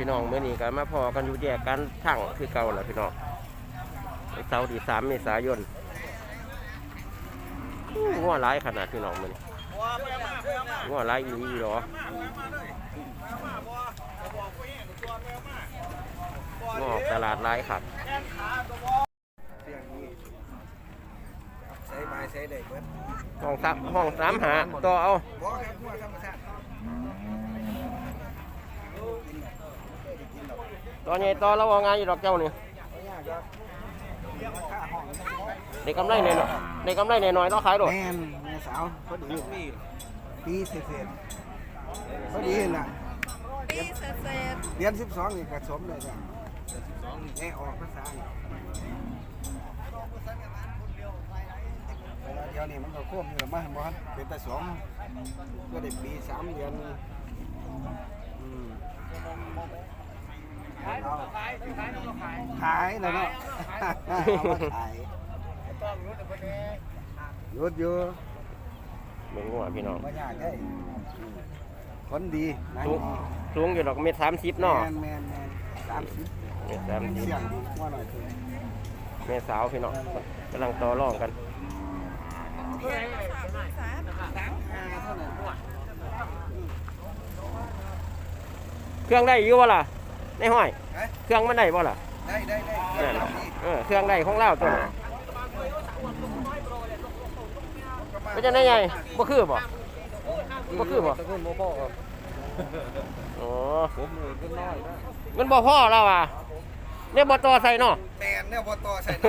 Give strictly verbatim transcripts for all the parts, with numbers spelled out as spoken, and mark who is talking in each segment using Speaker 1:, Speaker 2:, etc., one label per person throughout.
Speaker 1: พี่น้องเมื่อนี้ก็มาพอกันอยู่แยกกันทั้งคือเก่าแหละพี่น้องเสาร์ที่สามเมษายนงัวร้ายขนาดพี่น้องมันงัวร้ายอีหลีหรองัวตลาดร้ายครับห้องซับห้องสามหาต่อเอาตอนนี้ต่อแล้วว่างานอยู่ดอกเจ้าเนี่ยในกำไรเนี่ยในกำไรเนี่ยน้อยต้องขายหรอ
Speaker 2: แม่แม่สาวพอดีปีเศษพอดีน่ะปีเศษเดือนสิบสองนี่กระสมเลยจ้ะสิบสองนี่แอออกภาษาเดี๋ยวนี้มันก็ควบอยู่มาบ่เป็นแต่สองก็ได้ปีสามเดือนอืมขายแล้วเนาะเอามาขายหยุดอยู่
Speaker 1: เมืองหัวพี่น้อง
Speaker 2: ไม่ยากได้คนดีนะ
Speaker 1: สูงอยู่ดอกเมตรสามสิบเนาะ
Speaker 2: แมนแมนแมนสามสิบ
Speaker 1: เมตรสามสิบ
Speaker 2: เสียงว่าหน่อยคือ
Speaker 1: เมตรสาวพี่น้องกำลังต่อรองกันเครื่องได้อยู่บ่ล่ะในห้อยเครื่องมันได้บ่ล่ะ
Speaker 2: ได้ได้ได้
Speaker 1: เออเครื่องได้ของเราตัวเป็นจังได๋ใหญ่บ่คือบ่บ่คือบ่
Speaker 2: ตะกุนบ่พอครับ
Speaker 1: อ๋อ
Speaker 2: ผมเงินน้อยนะ
Speaker 1: เงินบ่พอแล้วว่ะเนี่ยบ่ต่อใส่เนาะ
Speaker 2: แม่นเนี่ยบ่ต่อใส่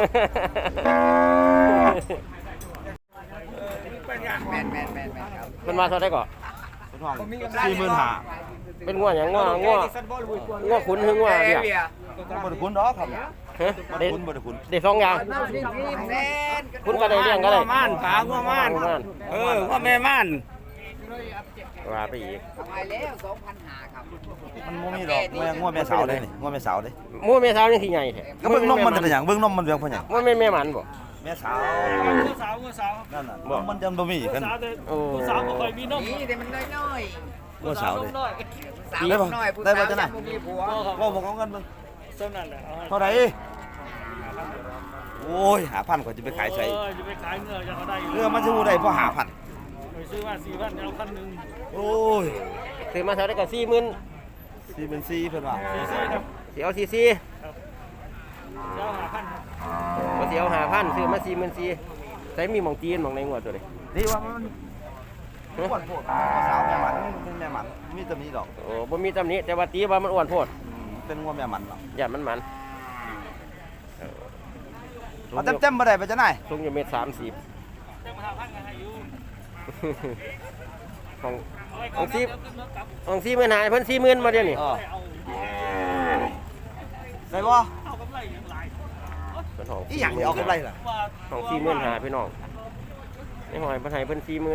Speaker 2: แม่นแม่นแม่นแม่นครับ
Speaker 1: เพิ่นมาเท่าใดก่อ
Speaker 2: สี่หมื่นห้า
Speaker 1: เป็นงัวหยังงัวงัวงัวขุนหึงงัวเดียว
Speaker 2: บ่ได้ขุนดอกครับ
Speaker 1: ฮะได้
Speaker 2: ขุนบ่ได้ขุน
Speaker 1: ได้สองอย่างขุนก็ได้เลี้ยงก็ได้
Speaker 2: ม่านขางัวม่านเอองัวแม่ม่าน
Speaker 1: ว่าไปอีก
Speaker 3: ทำไมแล้วสองพันห้าครับ
Speaker 2: มันบ่มีดอกแม่งัวแม่สาวเลยนี่งัวแม่สาวเด้
Speaker 1: หมู่แม่สาวนี่สิใหญ่แท้
Speaker 2: ก็เบิ่งนมมันเป็นหยังเบิ่งนมมันเบิ่งเพิ่นหยัง
Speaker 1: ว่าแม่แม่มันบ่
Speaker 2: แม่สาวงัวสาวงัวสาวนั่นน่ะมันจังบ่มีกัน
Speaker 1: โอ้
Speaker 3: สาวบ่ค่อยมีนมนี่แต่มันน้อย
Speaker 2: ๆงัวสาวเด้
Speaker 3: สาวน้อยผู้สาวจะบ่มีผัว
Speaker 2: บ่บ่เอาเงินเบิ่งซั่นนั่นแหละเท่าใดโอ้ยห้าพันกว่าจะไปขายใส่
Speaker 4: เออจะไปขายเงื่อจะเขาได้
Speaker 2: เงื่อมันสิฮู้ได้เพราะห้าพัน
Speaker 4: ไปซื้อมาสี่พันเอาพันนึง
Speaker 2: โอ้ย
Speaker 1: ซื้อมาเท่าได้ก็สี่หมื่น
Speaker 2: สี่หมื่นสี่เพิ่นว่า
Speaker 4: สี่สี่ครับ
Speaker 1: สิเอาสี่สี่
Speaker 4: ครับเจ้าห้าพัน
Speaker 1: บ่สิเอาห้าพันซื้อมาสี่หมื่นสี่ใส่มีหม่องจีนหม่องในงัวตัวนี้
Speaker 2: นี่ว่ามันอ้วนโพดสาวแม่มันเป็นแม่มันมีแต่มีดอก
Speaker 1: โอ้บ่มีตำหนิแต่ว่าตีว่ามันอ้วนโพด
Speaker 2: เป็นงัวแม่มันเนาะ
Speaker 1: ย่านมันมัน
Speaker 2: เอาเต็มๆบ่ได้ไปจังได๋
Speaker 1: สูงอยู่เมตรสามสิบของของซีของซีหมื่นหายเพิ่นสี่หมื่นมาเดี๋ยวนี้
Speaker 2: ได้บ่
Speaker 4: เอากำไรอย่างไร
Speaker 1: เป็นของ
Speaker 2: อีหยังนี่เอากำไรล่ะ
Speaker 1: ของสี่หมื่นหาพี่น้องในหอยเพิ่นให้เพิ่นสี่หมื่น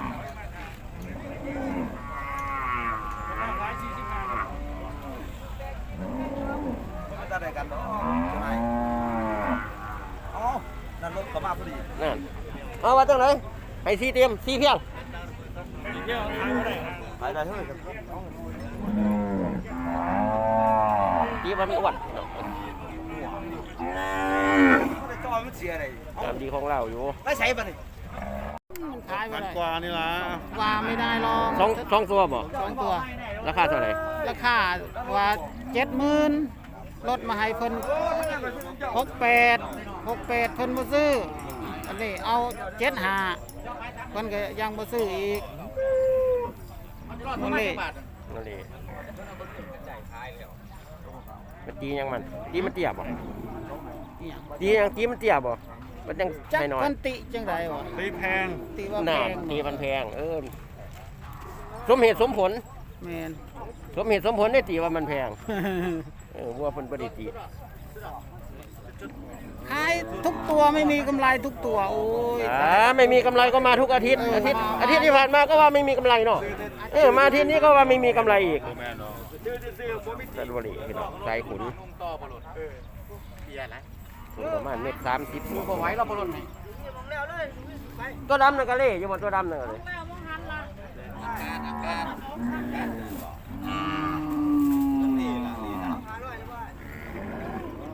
Speaker 2: จะได้กันเนาะอ๋อนั่นรถเข้ามาพอดี
Speaker 1: นั่นเอาว่าจังได๋ให้สี่เต็มสี่เพียง
Speaker 4: เที่ยวขายได้
Speaker 2: ขายได้เฮ้ย
Speaker 1: ตีว่ามันอ้วน
Speaker 2: จอยมันเสียได้
Speaker 1: ตามดีของเราอยู่
Speaker 2: ไม่ใช่ป่ะนี่
Speaker 4: ขายพันกว่านี่ล่ะ
Speaker 3: ว่าไม่ได้หรอก
Speaker 1: สองสองตัวบ่
Speaker 3: สองตัว
Speaker 1: ราคาเท่าไหร่
Speaker 3: ราคาว่าเจ็ดหมื่นลดมาให้เพิ่นหกแปดหกแปดเพิ่นบ่ซื้ออันนี้เอาเจ็ดห้าเพิ่นก็ยังบ่ซื้ออีกนั่นนี่
Speaker 1: นั่นนี่มันตียังมันตีมันเตี้ยบ่ตียังตีมันเตี้ยบ่มันยัง
Speaker 3: จัก
Speaker 1: น้อย
Speaker 3: เพิ่นติจังได๋วะ
Speaker 4: ตีแพง
Speaker 3: ตีว่าแพง
Speaker 1: ตีมันแพงเออสมเหตุสมผล
Speaker 3: แม่น
Speaker 1: สมเหตุสมผลได้ตีว่ามันแพงเออวัวเพิ่นบ่ได้ตี
Speaker 3: ขายทุกตัวไม่มีกำไรทุกตัวโอ้ย
Speaker 1: อ่าไม่มีกำไรก็มาทุกอาทิตย์อาทิตย์อาทิตย์ที่ผ่านมาก็ว่าไม่มีกำไรเนาะเออมาอาทิตย์นี้ก็ว่าไม่มีกำไรอีกตัดบุหรี่พี่น้องใจขุนประมาณเม็ดสามสิบ
Speaker 3: บ่ไหวเราบ่ลด
Speaker 1: ตัวดำนั่นก็เล่อยู่บนตัวดำนั่นก็เลย
Speaker 2: นี่ล่ะนี่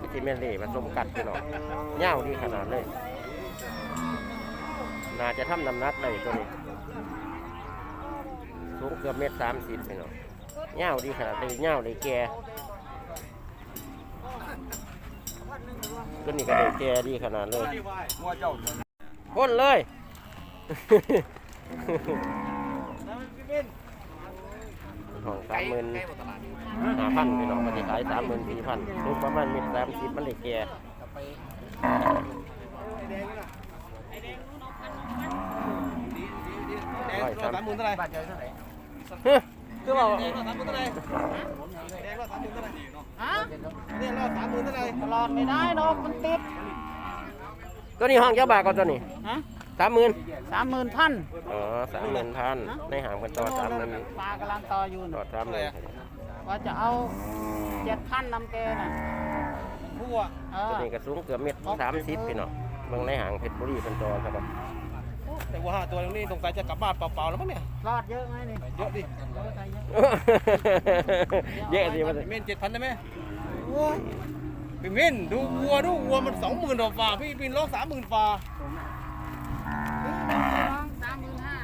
Speaker 1: ซีเมนเล่ผสมกัดพี่น้องเง่าดีขนาดเลยน่าจะทำน้ำหนักได้ตัวนี้สูงเกือบเมตรสามสิบพี่น้องเง่าดีขนาดเลยเง่าเลยแก่ตัวนี้ก็เลยแก่ดีขนาดเลยพ่นเลยห้องสามหมื่นห้าพันพี่น้องมันจะขายสามหมื่นสี่พันลูกประมาณเมตรสามสิบมันเลยแก่ร้อยสามหมื่นเท่าไหร่คือว่า
Speaker 3: ฮะ
Speaker 2: เนี่ยรอสามหมื่นเท่าไหร่
Speaker 3: ตลอดไม่ได้เนาะมันติด
Speaker 1: ตัวนี้ห้องเจ้าบาทก็ตัวนี้
Speaker 3: ฮะ
Speaker 1: สามหมื่น
Speaker 3: สามหมื่นพัน
Speaker 1: อ๋อสามหมื่นพันในหางกันต่อสามหมื่น
Speaker 3: ปลากำลังต่ออยู่
Speaker 1: ต่อ
Speaker 3: น่ะ
Speaker 1: สามหมื่น
Speaker 3: ว่าจะเอาเจ็ดพันนำแกน่ะ
Speaker 2: ผู้อ่ะ
Speaker 3: เอ
Speaker 1: ตัว
Speaker 3: อ
Speaker 1: นี้ก็สูงเกือบเมตรสามสิบพี่น้องเมืองในหางเพชรบุรีเป็นตัวครับ
Speaker 2: แต่ว่าห้าตัวนี้สงสัยจะกลับบ้านเปล่าๆแล้วมั้งเนี่ย
Speaker 3: รอดเยอะไหมนี่
Speaker 2: เยอะดิ
Speaker 3: เยอะใจเยอะ
Speaker 1: เยอะสิมัน
Speaker 2: เมนเจ็ดพันได้ไหมพี่มินดูวัวดูวัวมันสองหมื่นกว่าฝ่าพี่มินร้องสามหมื่นฝ่า
Speaker 3: สามหมื่นห้า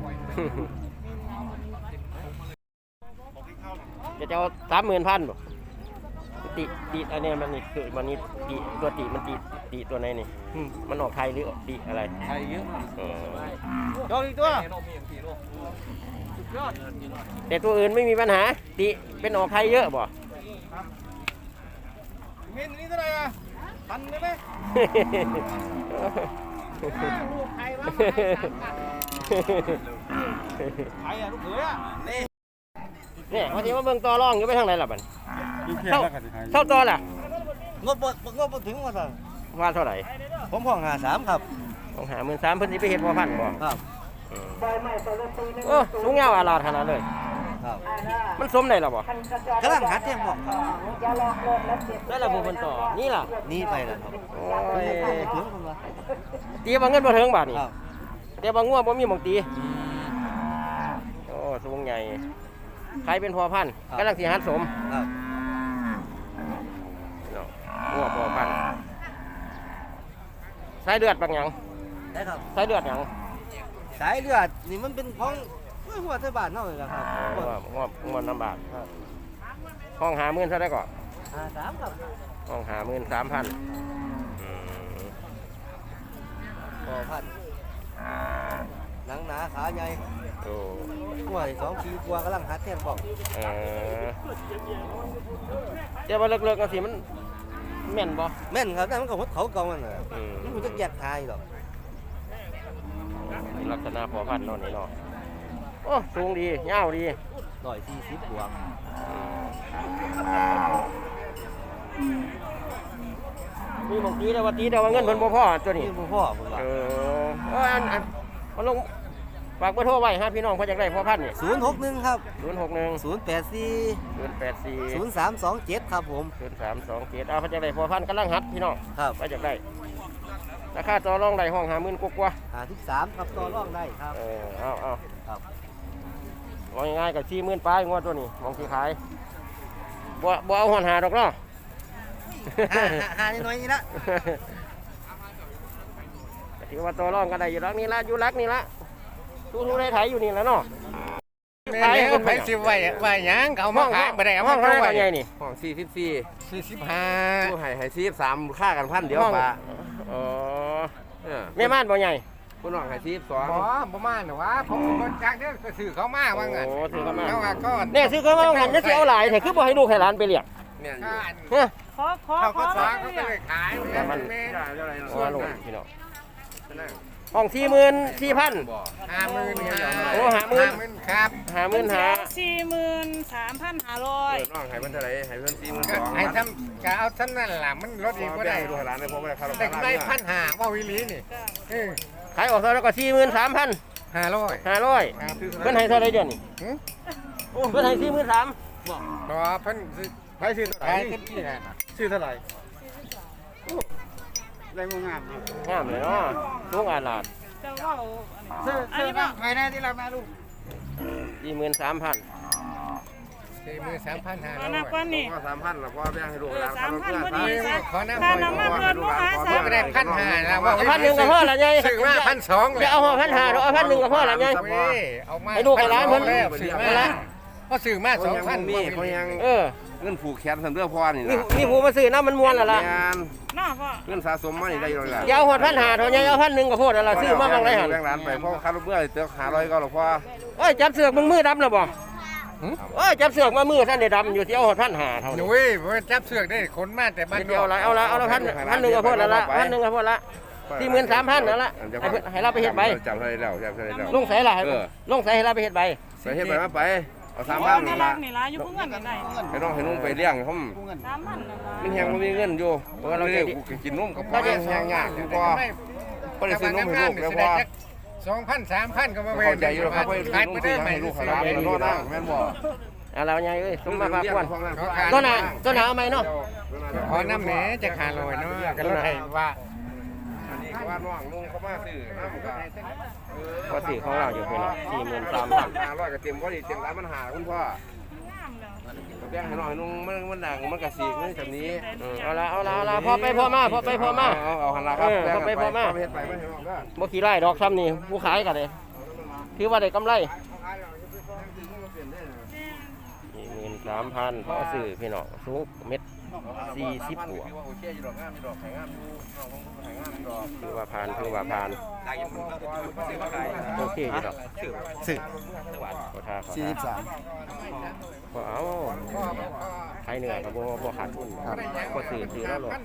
Speaker 1: จะจะเอาสามหมื่นพันบ่ติติอันนี้มันนี่คือมันนี่ติตัวติมันติติตัวไหนนี่มันออกไทยหรือติอะไร
Speaker 2: ไทยเยอะ
Speaker 1: อ๋อ
Speaker 2: จองอีกตัว
Speaker 1: แต่ตัวอื่นไม่มีปัญหาติเป็นออกไทยเยอะบ่
Speaker 2: มินนี่เท่าไหร่อ่ะพันได้ไหม
Speaker 3: ลูกใครวะ
Speaker 2: ใครอ่ะลูกเขยอ่ะนี่
Speaker 1: เนี่ยวันนี้มาเบิ่งต่อรองอยู่ไปทางไหนล่ะบัดเท่าเท่าต่อล่ะ
Speaker 2: งบงบถึงว่าสั่ง
Speaker 1: ว่าเท่าไหร่
Speaker 2: ผมห้องหาสามครับ
Speaker 1: ต้องหาหมื่นสามเพิ่นสิไปเฮ็ดบ่พันบ่
Speaker 2: ครับ
Speaker 1: โอ้สูงยาวอาลาดขนาดเลย
Speaker 2: ครับ
Speaker 1: มันสมได้หรอบ่
Speaker 2: กำลังหัดเทียมบอก
Speaker 1: ได้ละผู้เพิ่นต่อนี่ล่ะ
Speaker 2: นี่ไปแล้วครับ
Speaker 1: โอ้ย
Speaker 2: ถึงคนละ
Speaker 1: ตีบ่เงินบ่ถึงบาทนี่
Speaker 2: ครับ
Speaker 1: แต่บ่งัวบ่มีหม่องตีโอ้สูงใหญ่ใครเป็นพ่อพันธุ์กำลังสิหัดสม
Speaker 2: ครับ
Speaker 1: เนาะงัวพ่อพันธุ์สายเลือดบางหยัง
Speaker 2: ได้ครับ
Speaker 1: สายเลือดหยัง
Speaker 2: สายเลือดนี่มันเป็นของหัวเทบานเท่าไหร่ละครับ
Speaker 1: งัวงัวงัวลำบากห้องหาหมื่นเท่าไดก่อน
Speaker 2: หาสามครับ
Speaker 1: ห้องหาหมื่นสามพันอืม
Speaker 2: พอพันหนังหนาขาใหญ่
Speaker 1: โอ้
Speaker 2: หัวสองปีกว่ากำลังหัดเทียมบอก
Speaker 1: เออแต่ว่าเลิกๆกันสิมันแม่นบ่
Speaker 2: แม่นครับนั่นมันก็หัวเขาเก่ามันน่ะ
Speaker 1: อืม
Speaker 2: มันจะแยกทายหรอก
Speaker 1: ลักษณะพอพันธุ์เนอนนี่เนาะโอ้สูงดียาวดี
Speaker 2: ร้อยสี่สิบบวก
Speaker 1: มีบางทีแต่ว่าตีแต่ว่าเงินเพิ่นบ่พอตัวนี้
Speaker 2: นี่พ่อพ่อผมว่า
Speaker 1: เออเอออันอันเอาลงฝากเบอร์โทรไว้ฮะพี่น้องเพิ่นอยากได้พอพันธุ์นี่
Speaker 2: ศูนย์หกหนึ่งครับ
Speaker 1: ศูนย์หกหนึ่ง
Speaker 2: ศูนย์แปดสี่
Speaker 1: ศูนย์แปดสี่
Speaker 2: ศูนย์สามสองเจ็ดครับผม
Speaker 1: ศูนย์สามสองเจ็ดเอาเพิ่นอยากได้พอพันธุ์กำลังหัดพี่น้อง
Speaker 2: ครับ
Speaker 1: ว่าอยากได้ราคาต่อรองได้ห้องห้าหมื่นกว่า
Speaker 2: หาที่สามครับต่อรองได้ครับ
Speaker 1: ๆเออเอาเอา
Speaker 2: ครับ
Speaker 1: ว่าง่ายๆกับสี่หมื่นปลายงวดตัวนี้มองที่ขายบ่บ่เอาหันหาดอกเนาะ
Speaker 2: หาหาหาน้อยๆนี่ละ
Speaker 1: ก็ถือว่าตัวรองกันได้อยู่รักนี่ละอยู่รักนี่ละทุกๆได้ไถอยู่นี่แล้วเนาะ
Speaker 5: แม่แล้วไปสิไว้ไว้หยังเขามาขายบ่ได้เอา
Speaker 1: ห้
Speaker 5: มา
Speaker 1: อง
Speaker 5: เข้า
Speaker 1: เท่าไห
Speaker 5: ไว้
Speaker 1: ร่ใหญ่นี่
Speaker 5: ห้องสี่สิบสี่สี่สิบห้า
Speaker 6: ผู้ให้ให้ซีบสามค่ากันพันเดียว
Speaker 1: ห้อง
Speaker 6: ปะ
Speaker 1: อ๋อ
Speaker 6: เออ
Speaker 1: แม่ม่านบ่ใหญ่
Speaker 6: ผู้น้องให้ซีบสอง
Speaker 5: บ่บ่มาหรอวะผมบ่จักเด้อก็ซื้อเขามาว่างั้น
Speaker 1: โอ้ถือเข้ามา
Speaker 5: แล้วว่าก็
Speaker 1: เนี่ยซื้อเข้ามาหันจะสิเอาหลายแต่คือบ่ให้ลูกให้หลานไปเลี้ยง
Speaker 6: เนี่ยอยู่
Speaker 1: เฮ้ย
Speaker 3: ขอขอ
Speaker 5: เขา
Speaker 3: ข
Speaker 5: ก็
Speaker 3: อ
Speaker 5: สอนเขาก็เลยขาย
Speaker 1: แต่มัน
Speaker 5: แม่
Speaker 6: ได้เท่าไหร่
Speaker 1: ว่าลูกพี่น้องห้องสี่หมื่นสี่พัน
Speaker 6: บ่
Speaker 5: ห้าหมื่นห้า
Speaker 1: โอ้ห้าหมื่น
Speaker 5: หมื่นครับ
Speaker 1: ห้าหมื่นห้า
Speaker 7: สี่หมื่นสามพันห้าร้อย
Speaker 6: เออน้องให้มันเท่าไหร่ให้เพิ่นสี่หมื่นส
Speaker 5: ก็
Speaker 6: อง
Speaker 5: ให้ทำก็เอาท่านนั่นล่ะมันลดอีกบ่ได้
Speaker 6: ให้ดูให้หลานได้เพราะว่าค่า
Speaker 5: ได้กำไรพันห้าว่าวิลีนี่เออ
Speaker 1: ขายออกเท่าแล้วก็สี่หมื่นสามพัน
Speaker 5: ห้าร้อย
Speaker 1: ห้าร้อย
Speaker 5: ครับ
Speaker 1: เพิ่นให้เท่าไรเดือนนี่
Speaker 5: หึ
Speaker 1: เพิ่นให้สี่หมื่นสาม
Speaker 5: บ่เพิ่นซื้อ
Speaker 6: ให้ซื้อเท่าไหร่
Speaker 5: ขายเต็มที่น่ะ
Speaker 6: ซื้อเท่าไหร่ได้บ่งาม
Speaker 1: งามเลยเนาะลูกอาลาด
Speaker 7: จะว่า
Speaker 5: ซื้อซื้อบ้างใครแน่ที่เรามาลูก
Speaker 1: สี่หมื่นสามพัน
Speaker 5: สี่หมื่นสามพันห้า
Speaker 7: เอา
Speaker 5: ร้อย
Speaker 7: นับก่อนนี่
Speaker 6: ก็สามพันแล้วก็แบ่งให้ลูก
Speaker 7: เอ
Speaker 6: ห
Speaker 7: อ
Speaker 6: ลาน
Speaker 7: สามพันพอดี
Speaker 6: ค
Speaker 7: ซะ
Speaker 5: ขอน้ำ
Speaker 7: ค่าน้ำมันเพิ่นลูกค้าสาม
Speaker 5: ก็ได้พันห้านะว่า
Speaker 1: เอาพันหนึ่งก็พอละไง
Speaker 5: ซื้อมาพันสอง
Speaker 1: อย่าเอาพันห้าเอาพันหนึ่งก็พอละไง
Speaker 5: เอามา
Speaker 1: ให้ลูกให้หลานเพิ่น
Speaker 5: แล้วซื้อมา
Speaker 1: ให้หลาน
Speaker 5: ก็ซื้อมาสองพัน
Speaker 6: นี่เขายัง
Speaker 1: เออ
Speaker 6: เงินผูกแขนสำเร็จพอนี่
Speaker 1: มี
Speaker 6: นะ
Speaker 1: มีผู้มาซื้อน้ำมันมวนและล่ะ
Speaker 6: งาน
Speaker 7: น้าพ่อ
Speaker 6: เงินสะสมมานี่ได้เลยล่ะ
Speaker 1: อย่าเอาหอดพันห้าเท่าไงเอาพันหนึ่งก็พอแล้วล่ะซื้อมาบางไรหัน
Speaker 6: แบ่งร้านไปเพราะค่ารถเมื่อเตือหาร้อยก็หรอกพ่อ
Speaker 1: โอ้ยจับเสือกมึงมือดำแล้วบ่โอ้ยจับเสือกมามือท่านได้ดำอยู่ที่เอาหอดพันห้าเท่า
Speaker 5: ห
Speaker 1: นี้
Speaker 5: นุ่ยผมจับเสือกได้ขนมาแต่บ้าน
Speaker 1: เดียวละเอาละเอาละพันพันหนึ่งก็พอแล้วละพันหนึ่งก็พอละสี่หมื่นสามพันนั่นละให้เพิ่นให้เราไปเฮ็ดใบ
Speaker 6: จำได้แล้วจำได้แล้ว
Speaker 1: ลงใส่ละให้ลงใส่ให้เราไปเฮ็ดใบ
Speaker 6: ไปเฮ็ดไปมาไปเอาสาม
Speaker 7: โอ้
Speaker 6: พัน
Speaker 7: น่า
Speaker 6: นี่
Speaker 7: รั
Speaker 6: ละ
Speaker 7: กนี่ล่ะอยู่เพิ่งเงินกันได้
Speaker 6: ให้น้องให้นุ่งไปเลี้ยงเขา
Speaker 7: สามพันนั่นล่ะ
Speaker 6: มันแหงมันมีเงินอยู่เพราะเราเลี้ยงกูกินนุ่มกับพ่อแหงยากกูก็ก็ได้ซื้อนมให้ลูกแล้วพ่อ
Speaker 5: สองพันสามพันก็มา
Speaker 6: เข้าใจอยู่แล้วครับว่า
Speaker 5: ขาย
Speaker 6: นุ่
Speaker 5: ไป
Speaker 6: ม
Speaker 5: ได้
Speaker 6: ซื้อ
Speaker 5: ไหม
Speaker 6: ให้ลูกให้หลานให้น้องนั่งแม่นบ่
Speaker 1: เอาเราไงเอ้ยสมมาพากวน
Speaker 6: ตั
Speaker 1: ตัวหน้าตัวหน้าเอาไหมเนาะ
Speaker 5: ขอน้ำแหนจะขาลอยเนาะก็เลยว่า
Speaker 6: อันนี้ก็ว่าน้องลุงเขามาซื้อน้ำก็
Speaker 1: ก็สี่ของเราอยู่เพื่อนสี่หมื่นสาม
Speaker 6: สา
Speaker 1: พั
Speaker 6: ม
Speaker 1: น
Speaker 6: ห้าร้อยก็เต็มก็ดีเต็มร้านมันหาคุณพ่อง
Speaker 7: ามแล้ว
Speaker 6: แบ่งให้น้อยนุ่งมันมันดังมันกระสีกนี่แบบนี้
Speaker 1: เอาละเอาละเอาละพอไปพอมาพอไปพอมา
Speaker 6: เอาเอาหันละครับ
Speaker 1: เออเอาไปพอมา
Speaker 6: เฮ็ดไปไม่เฮ็ดออกก็
Speaker 1: บ่ขี่ไล่ดอกซ้ำนี่ผู้ขายกันเลยถือว่าได้กำไรสี่หมื่นสามพันพ่อซื้อพี่น้องสูงเม็ดสี่สิบบวก
Speaker 6: โอเคอยู่ดอกงามอยู่ดอกไข่งามอยู่น้องของไข่งามอยู่ดอก
Speaker 1: ถือว่าผ่านถือว่าผ่านโอเคอยู่ดอก
Speaker 2: สิ
Speaker 1: ขอทาขอ
Speaker 2: สี่
Speaker 1: ทา
Speaker 2: สิบสาม
Speaker 1: พอเอาใครเหนื่อยกับบ่บ่ขาดทุนก็ซื้อซื้อแล้วหรอก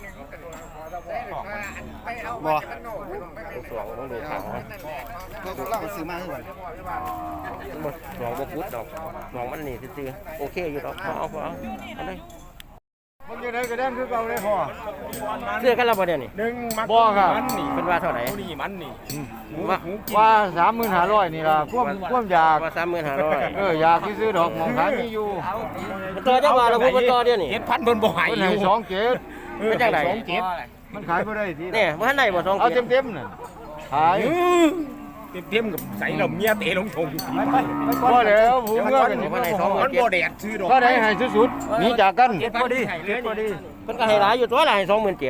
Speaker 2: บ่
Speaker 1: ต้องสองต้องดูขาว
Speaker 2: เราก็เล่าซื้อมาให้ก่อน
Speaker 1: บ่สองบ่พุดดอกสองมันนี่ซื่อๆโอเคอยู่ดอกพอเอาพอเอาเอาเลย
Speaker 4: มันอยู่ไหนก็ได้คือเก่าเลยพ่อ
Speaker 1: ซื้อกันแล้วบ่เดี๋ยวนี้
Speaker 4: หนึ่งมัก
Speaker 3: บ่ครับ
Speaker 4: มันนี่
Speaker 1: เป็นว่าเท่าไหร่
Speaker 4: นี่มันนี่
Speaker 1: ว่า
Speaker 3: ว่าสามหมื่นห้าร้อยนี่ล่ะความความอยาก
Speaker 1: ว่าสามหมื่นห้าร้อย
Speaker 3: เอออยากซื้อดอกหมองขายมีอยู่
Speaker 1: มันต่อจังหวะเราพูดมันต่อเดี๋ยวนี้
Speaker 4: เจ็ดพันเพิ่นบ่ใหาย
Speaker 3: เพิ่น
Speaker 4: อ
Speaker 3: ให้
Speaker 4: ยู่
Speaker 3: สองเจ็ด
Speaker 1: เป็นจังได
Speaker 4: สองเจ็ด
Speaker 3: มันขายบ่ได้ที
Speaker 1: เนี่ยบ่ทันได้บ่สอง
Speaker 3: เอา
Speaker 1: เจ็ด
Speaker 3: เต็มๆน่ะขาย
Speaker 4: เต็มๆกับใส่เราเมียเตะลงทง
Speaker 3: บ่แล้วผู้เมื่อกัน
Speaker 1: บ่ทันได้สองหมื่
Speaker 4: มัน น
Speaker 1: เจ็
Speaker 4: บ่
Speaker 1: ด
Speaker 4: แดดซื้อดอก
Speaker 3: ก็ได้ให้สุดๆหนีจากกัน
Speaker 4: เจ็ดพอดีเจ็ดพอดี
Speaker 1: เพิ่นก็ให้หลายอยู่ตัวละให้สองหมื่นเจ็ด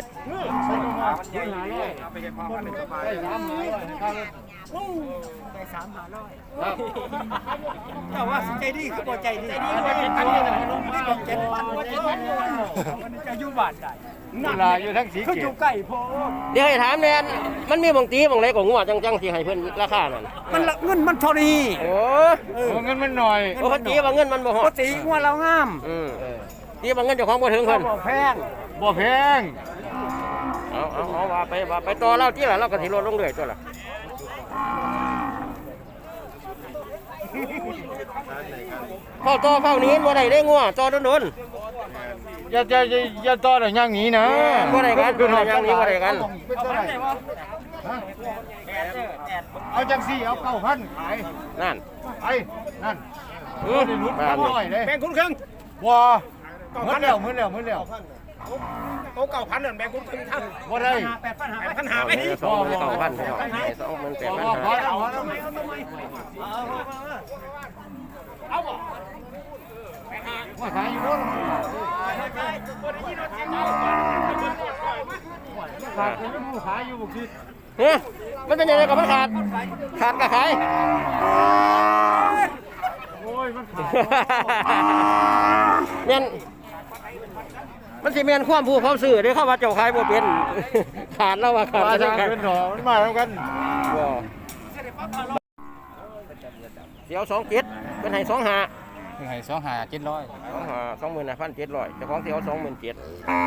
Speaker 4: แต่ว่าใจดีคือบ่ใจดีใจดีบ่ใจดีเจ็ดพันบ่เจ็ดพันมันจะอยู่บ้านได้
Speaker 3: เวลาอยู่ทั้งสี
Speaker 4: คือ
Speaker 3: เก
Speaker 4: อยู่
Speaker 3: ต
Speaker 4: ใกล้พอ
Speaker 1: เดี๋ยวให้ถามแน่นมันมีบางตีบางไรก็งัวจังจังสิให้เพิ่นราคานั่น
Speaker 4: มันละเงินมันเท่านี้
Speaker 1: โอ้
Speaker 3: โอ้เงินมันหน่อย
Speaker 1: โอ้เขาตีว่าเงินมันบ่ฮ
Speaker 4: ป
Speaker 1: อก ด
Speaker 4: ติว่าเรางาม
Speaker 1: อืมตีว่าเงินเจ้าของบ่ถึงเพิ่น
Speaker 4: บ่แพง
Speaker 3: บ่แพง
Speaker 1: เอาเอาเอาว่าไปว่าไปต่อเราที่ละเราก็สิลดลงเรื่อยตัวละเข้าต่อเข้านี้บ่ได้ได้งัวต่อโดน
Speaker 3: อย่าอย่าอย่าอย่าต่อได้อย่างนี้นะ
Speaker 1: ๆบ่ได้กันบ่ได้อย่างนี้บ่ได้กัน
Speaker 3: เป็นเท่าไหร่ฮะเอาจังสี่เอาเก้าพันขาย
Speaker 1: นั่น
Speaker 3: ไปนั่น
Speaker 1: อือ
Speaker 3: ได้ลุ้น
Speaker 1: บ้า
Speaker 3: สาน มร้อยเลย
Speaker 4: แบ่งคุณครึ่ง
Speaker 3: ว้าเหมือนแล้วเหมือนแล้วเหมือนแล้ว
Speaker 4: โตเก้าพันนั่นแบ่งคุณครึ่งทั้ง
Speaker 3: บ่ได้
Speaker 4: แปดพันหาแปดพันหา
Speaker 1: เอา
Speaker 4: ไป
Speaker 1: เนี่ยสองหมื่นเก้าพันพี่น้องให้สองหมื่นแปดพัน
Speaker 3: พอ
Speaker 1: ห้า
Speaker 3: แล้วพอแล้วว่าขายอยู่นู่นขาดเป็นผู้ขายอยู่บุกที
Speaker 1: เฮ้ยมันเป็นยังไงกับมันขาด ขาดกับขาย
Speaker 3: โอ้ยมันขาด
Speaker 1: เมียนมันสิเมียนความผู้เขาซื้อเด้เข้าว่าเจ้าขายบ่เป็น ขาดแล้วว่าขาด
Speaker 3: มา
Speaker 1: จะ
Speaker 3: ทาง
Speaker 1: ขาด
Speaker 3: เป็นหอมันมาแล้วกัน
Speaker 1: บ่เดี๋ยวสองเจ็ดเป็นให้สองห้า
Speaker 3: ให้สองหาเจ็ดร้อย
Speaker 1: สองห้าสองหมื่นห้าพันเจ็ดร้อยเจ้าของเสียวสองหมื่นเจ็ด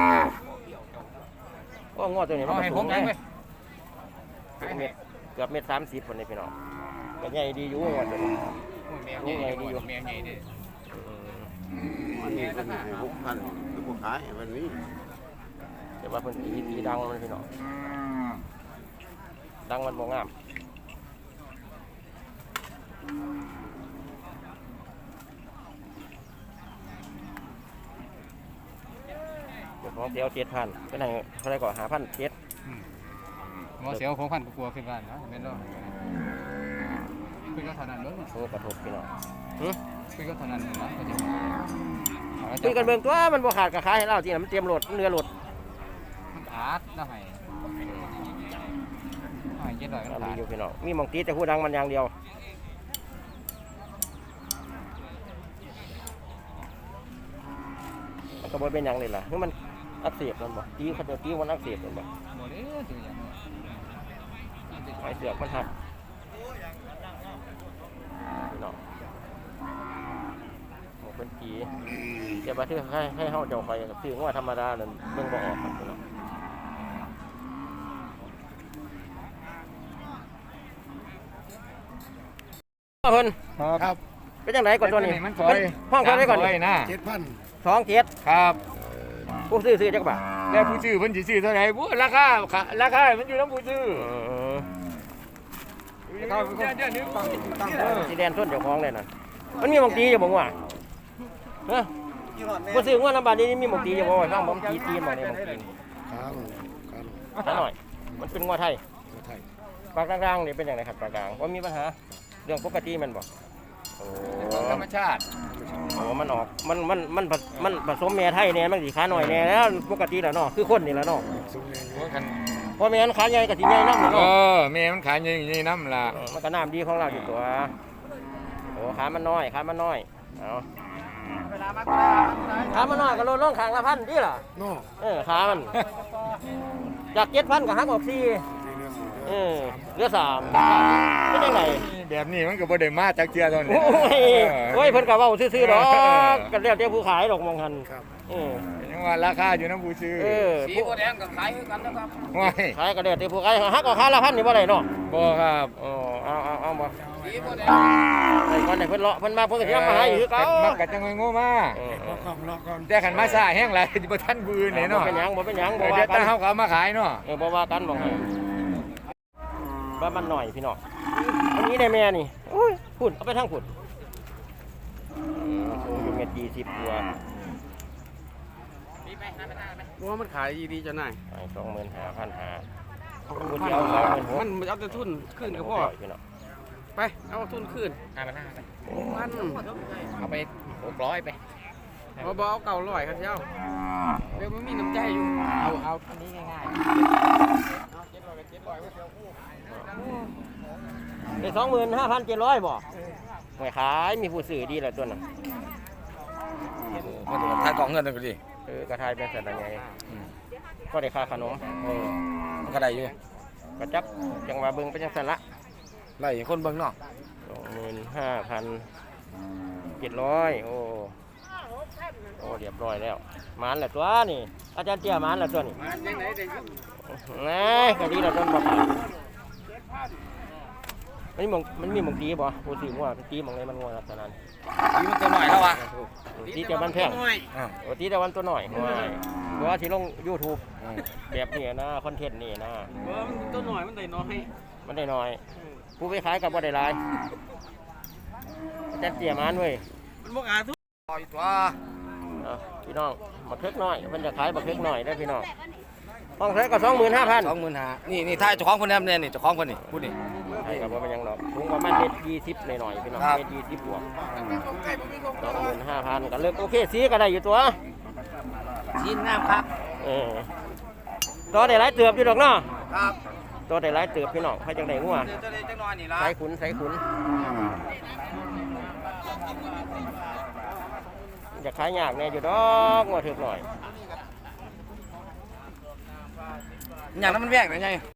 Speaker 1: ก็งอตัวนี้มันก็สูงไงเกือบเม็ดเกือบเม็ดสามสิบคนนี้พี่น้องก็ใหญ่ดีอยู่งอตัวนี้ใหญ่ดีอยู่
Speaker 5: แม่ใหญ่ดิ
Speaker 6: นี่เป็นหกพันคือพวกขายวันนี้
Speaker 1: แต่ว่าเพิ่นตีตีดังมันพี่น้องดังมันบ่งามเจ้าของเสียวเจ็ดพันเป็นไงเท่าไรก่อนหาพันเจ็ด
Speaker 3: หมอเสียวของพันกลัวขึ้นบ้านนะแม่นบ่คือก็เท่านั้นเด้อ
Speaker 1: โอ้กระทบพี่น้องหึ
Speaker 5: คุยก็เท่านั้นนะ
Speaker 1: คุยกันเบิ่งตัวมันบ่ขาดก็ขายให้เราที่น่ะมันเตรียมรถเรือรถ
Speaker 5: มันอาดนะให้ให้เจ็ดร้อยก็
Speaker 1: มี
Speaker 5: ขาด
Speaker 1: อยู่พี่น้องมีหม่องตีแต่ผู้ดังมันอย่างเดียวมันก็บ่เป็นหยังนี่ล่ะคือมันอักเสบมันบ่ตีเขาจะตีมันอักเสบมันบ่
Speaker 5: บ่ได้ถืออย่างนี้
Speaker 1: ไอ้เสือกมันหักพี่น้องหมกเป็นจีเดี๋ยวมาที่ให้ให้เฮาเจ้าไปซื้อว่าธรรมดานั่นเบิ่งบ่ออกครับพี่น้องเพิ่น
Speaker 5: ครับ
Speaker 1: เป็นจังไดก่อนตัวนี้
Speaker 5: มันถอย
Speaker 1: ห้องเท่าไหร่ก่อนนี่
Speaker 5: นะ
Speaker 2: เจ็ดพัน
Speaker 1: สองเจ็ด
Speaker 5: ครับ
Speaker 1: ผู้ซื้อซื้อจักบาท
Speaker 5: แล้วผู้ซื้อเพิ่นสิซื้อเท่าไหร่บ่ราคาราคามันอยู่นำผู้ซื้อ
Speaker 1: เออ
Speaker 5: เดี๋ยวเดี๋ยวนี้ฟังตั้ง
Speaker 1: สีแดงส้นเจ้าของเลยนะมันมีหมองตีอยู่บ่ว่าเฮ้ยผู้ซื้อว่าน้ำบาดนี้มีหมองตีอยู่บ่ว่าฟังผมตีตีหมองนี้หมองตี
Speaker 2: ครับครับ
Speaker 1: ซะหน่อยมันเป็นงัวไทย
Speaker 2: ไทย
Speaker 1: ปลากลางๆนี่เป็นอย่างไรครับปลากลางว่ามีปัญหาเรื่องปกติมันบ่โอ้
Speaker 5: ธรรมชาติ
Speaker 1: โหมันออกมันมันมันผสมันผสมแม่ไทยเนี่ยมันสิขาหน่อยแน่แล้วปกติแล้วเนาะคือคนนี่แหละเนาะ
Speaker 2: ซุ้มเอง
Speaker 5: หัวกัน
Speaker 1: เพราะแม่นขาใหญ่กับสิใหญ่นำ
Speaker 5: เอ
Speaker 1: เนาะ
Speaker 5: อแม่มันขายอย่างนี้น้ำล่ะ
Speaker 1: เออมันก็น้ำดีของเราอยู่ตัวโอ้ขามันน้อยขามันน้อยเอาขามันน้อยก็ลดลงข้างละพันดีล่ะ
Speaker 2: โน่
Speaker 1: เออขามันจากเจ็ดพันก็หักออกสี่เออเหลือสามเป็นยังไง
Speaker 5: แบบนี้มันก็บ่ได้มาจากเทื่อเท่านี้
Speaker 1: โอ้ยโอ้ยเพิ่นก็เว้าซื่อๆดอกกันแล้วแต่ผู้ขายดอกมองหัน
Speaker 2: ครับ
Speaker 1: เออ
Speaker 5: ยังว่าราคาอยู่น้ำผู้ซื้อ
Speaker 1: เออ
Speaker 4: สีบัวแดงกับขายคือกันนะครับ
Speaker 5: ว้าย
Speaker 1: ขายก็แล้วแต่ผู้ขายหักก็ขาละพันนี่บ่ได้เนาะ
Speaker 5: บ่ครับ
Speaker 1: อ๋อเอาเอาเอาบ่
Speaker 4: สีบัวแดง
Speaker 1: ไอ้คนไหนเพิ่นเลาะเพิ่นมาเพิ่นก็สิเอามาให้คือเก่า
Speaker 5: มักกะจังโง่มา
Speaker 1: เออ
Speaker 2: รอก่อนรอก่อน
Speaker 5: แต่ขันมาซ่าแห้งหลายบ่ทันผู้อื่นแน่
Speaker 1: บ่
Speaker 5: เนาะ
Speaker 1: เป็นหยังบ่เป็นหยังบ่
Speaker 5: เดี๋
Speaker 1: ว่า
Speaker 5: ยว
Speaker 1: กั
Speaker 5: ตาน เฮาก็เอามาขายเนาะ
Speaker 1: เออบ่ว่ากันบ่ให้บ้านมันหน่อยพี่น้องอันนี้ได้แม่นี่โอ้ยพุ่นเอาไปทางพุ่นอืมสูงอยู่เมตรยี่สิบกว่า
Speaker 2: ว่ามันขายดีจะไหน
Speaker 1: ไปสองหมื่นห้าพันห้าผู้ที่เอาสองหมื่นหก
Speaker 2: มันเอาแต่ทุนขึ้นกับพ่อ
Speaker 1: พี่น้อง
Speaker 2: ไปเอาทุนขึ้น
Speaker 5: ห้าพันห้าไป
Speaker 2: มัน
Speaker 5: เอาไปหกร้อยไป
Speaker 2: เอาบ่เอาเก่าร้อยครับเจ้าเดี๋ยวมันมีน้ำใจอยู่
Speaker 5: เอาเอาอันนี้ง่าย
Speaker 1: ได้สองหมื่นห้าพันเจ็ดร้อยบ่ไม่ขายมีผู้ซื้อดีแหละตัวนั้น
Speaker 6: ๆมันทายกองเงินนั่นก็ดี
Speaker 1: เออกระทายเป็นสัตว์ไงก็ได้ค่าขนม
Speaker 6: เออมันก็ได้อยู่
Speaker 1: กระจับจังหวะเบิ่งไปจังสันละ
Speaker 6: ไล่คนเบิ่งเนาะ
Speaker 1: สองหมื่นห้าพันเจ็ดร้อยโอ้โอ้เรียบร้อยแล้วหมานแหละตัวนี่อาจารย์เตี้ยหมานแหละตัวนี่
Speaker 2: มันยังไงได้ยุ่ง
Speaker 1: นะก็ดีแหละต้นบอกมันมีหมองมันมีหมองตีบ่ผู้ซื้อว่าตีหมองไหนมันงัวขนาดนั้น
Speaker 6: ทีมันตัวหน่อยแล้ววะ
Speaker 1: ตีแต่มันแพง
Speaker 6: อ่า
Speaker 1: โอ้ตีแต่วันตัวหน่อยเพราะว่าที่ลง YouTube แบบนี้นะคอนเทนต์นี่นะ
Speaker 2: ว่ามันตัวหน่อยมันได้น้อย
Speaker 1: มันได้น้อย ผู้ไปขายกับบ่ได้หลายแต่เตี้ยมันเว้ย
Speaker 2: มันบ่ขาดทุน
Speaker 6: ปล่อยตัว
Speaker 1: เอาพี่น้องบักเล็กน้อยมันจะขายบักเล็กน้อยได้อพี่น้องห้องใช้ก็สองหมื่นห้าพัน
Speaker 6: สองหมื่นห้านี่นี่ทายเจ้าของคนนี้เนี่ยนี่เจ้าของคนนี่พูดนี่
Speaker 1: ใช่ครับว่ามันยังดอกถุงประมาณเม็ดยี่สิบหน่อยๆพี่น้อง
Speaker 6: ครับ
Speaker 1: เม็ดยี่สิบบวกสองหมื่นห้าพันก็เลิกโอเคสีก็ได้อยู่ตัว
Speaker 4: ชิ้นน้ำครับ
Speaker 1: เออตัวได้หลายเติบอยู่ดอกเนาะ
Speaker 6: ครับ
Speaker 1: ตัวได้หลายเติบพี่น้องใครจังไดงัว
Speaker 6: เดี๋ยวจะได้จังน้อยนี่ละ
Speaker 1: ใส่ขุนใส่ขุนจะขายยากแน่อยู่ดอกงัวถึกหน่อย
Speaker 6: อย่างนั้นมันแพงนะไง